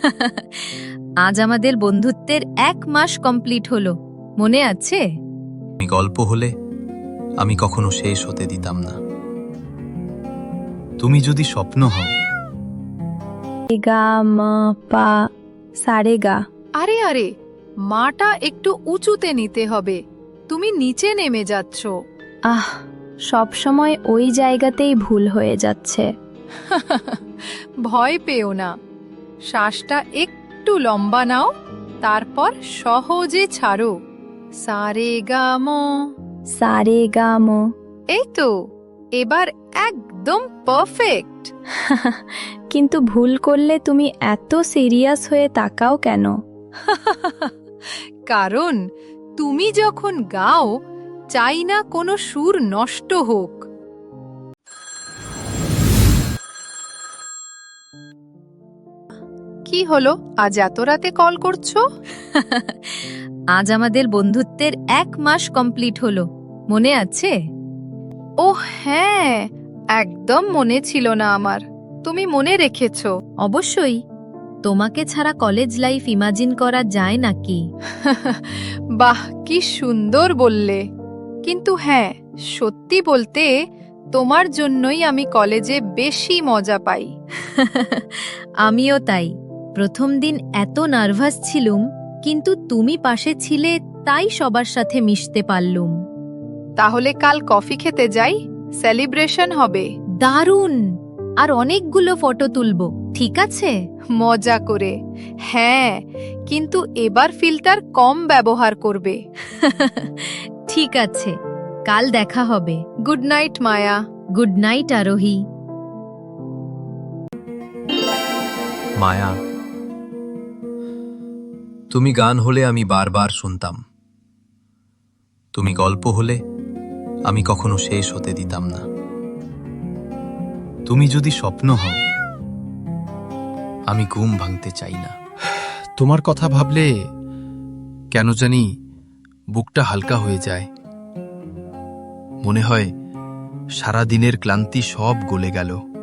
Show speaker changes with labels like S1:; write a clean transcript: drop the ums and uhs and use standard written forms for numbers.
S1: আজ আমাদের বন্ধুত্বের 1 মাস কমপ্লিট হলো, মনে আছে?
S2: তুমি গল্প হলে আমি কখনো শেষ হতে দিতাম না। তুমি যদি স্বপ্ন হও।
S3: গা মা পা সারে গা।
S4: আরে আরে, মাটা একটু উঁচুতে নিতে হবে, তুমি নিচে নেমে যাচ্ছ।
S3: আহ, সব সময় ওই জায়গাতেই ভুল হয়ে যাচ্ছে।
S4: ভয় পেও না, শ্বাসটা একটু লম্বা নাও, তারপর সহজে ছাড়ো। সারে গা ম।
S3: সারে গা মো।
S4: এই তো, এবার একদম পারফেক্ট।
S3: কিন্তু ভুল করলে তুমি এত সিরিয়াস হয়ে তাকাও কেন?
S4: কারণ তুমি যখন গাও, চাই না কোনো সুর নষ্ট হোক। কি হলো, আজ এত রাতে কল করছো?
S1: আজ আমাদের বন্ধুত্বের 1 মাস কমপ্লিট হলো, মনে আছে?
S4: ও হ্যাঁ, একদম মনে ছিল না আমার, তুমি মনে রেখেছো।
S1: অবশ্যই। তোমাকে ছাড়া কলেজ লাইফ ইমাজিন করা যায় নাকি?
S4: বাহ, কি সুন্দর বললে। কিন্তু হ্যাঁ, সত্যি বলতে তোমার জন্যই আমি কলেজে বেশি মজা পাই।
S1: আমিও তাই। প্রথম দিন এত নার্ভাস ছিলুম, কিন্তু তুমি পাশে ছিলে তাই সবার সাথে মিশতে পারলুম।
S4: তাহলে কাল কফি খেতে যাই, সেলিব্রেশন হবে।
S1: দারুণ! আর অনেকগুলো ফটো তুলবো, ঠিক আছে?
S4: মজা করে। হ্যাঁ, কিন্তু এবার ফিল্টার কম ব্যবহার করবে।
S1: ঠিক আছে, কাল দেখা হবে।
S4: Good night Maya.
S1: Good night Arohi.
S2: Maya, তুমি গান হলে আমি বারবার শুনতাম। তুমি গল্প হলে আমি কখনো শেষ হতে দিতাম না। তুমি যদি স্বপ্ন হও, আমি ঘুম ভাঙতে চাই না।
S5: তোমার কথা ভাবলে কেন জানি বুকটা হালকা হয়ে যায়। মনে হয় সারা দিনের ক্লান্তি সব গলে গেল।